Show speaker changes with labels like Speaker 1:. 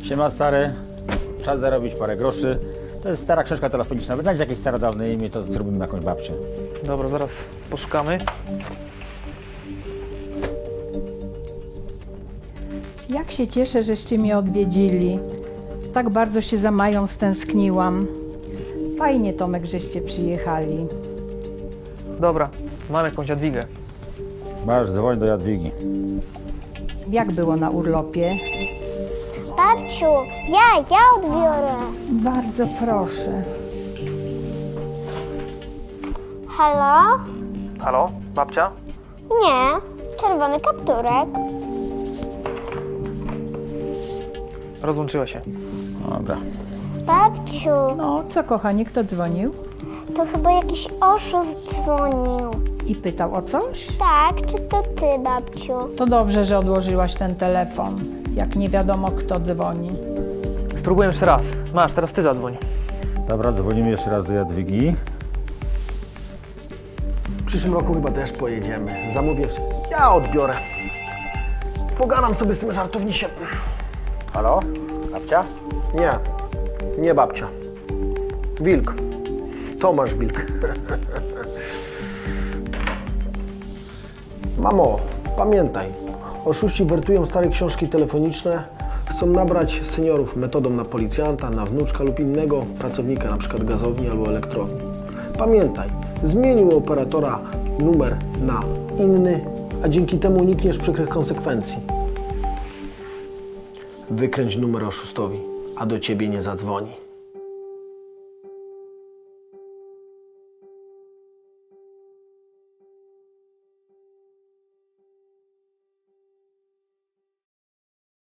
Speaker 1: Siema stary, czas zarobić parę groszy. To jest stara książka telefoniczna. Wyznać jakieś starodawne imię, to zrobimy jakąś babcię.
Speaker 2: Dobra, zaraz poszukamy.
Speaker 3: Jak się cieszę, żeście mnie odwiedzili. Tak bardzo się za Mają stęskniłam. Fajnie, Tomek, żeście przyjechali.
Speaker 2: Dobra, mam jakąś Jadwigę.
Speaker 1: Masz, dzwoń do Jadwigi.
Speaker 3: Jak było na urlopie?
Speaker 4: Babciu, ja odbiorę.
Speaker 3: Bardzo proszę.
Speaker 4: Halo?
Speaker 2: Halo, babcia?
Speaker 4: Nie, czerwony kapturek.
Speaker 2: Rozłączyła się.
Speaker 1: Dobra.
Speaker 4: Babciu,
Speaker 3: No, co kochanie, kto dzwonił?
Speaker 4: to chyba jakiś oszust dzwonił.
Speaker 3: I pytał o coś?
Speaker 4: Tak, czy to ty, babciu?
Speaker 3: To dobrze, że odłożyłaś ten telefon, jak nie wiadomo kto dzwoni.
Speaker 2: Spróbuję jeszcze raz. Masz, teraz ty zadzwoń.
Speaker 1: Dobra, dzwonimy jeszcze raz do Jadwigi.
Speaker 5: W przyszłym roku chyba też pojedziemy. Zamówię. Ja odbiorę. Pogadam sobie z tym żartownisiem.
Speaker 1: Halo? Babcia?
Speaker 5: Nie babcia. Wilk. Tomasz Wilk. Mamo, pamiętaj. Oszuści wertują stare książki telefoniczne. Chcą nabrać seniorów metodą na policjanta, na wnuczka lub innego pracownika, np. gazowni albo elektrowni. Pamiętaj, zmienił operatora numer na inny, a dzięki temu unikniesz przykrych konsekwencji. Wykręć numer oszustowi, a do ciebie nie zadzwoni.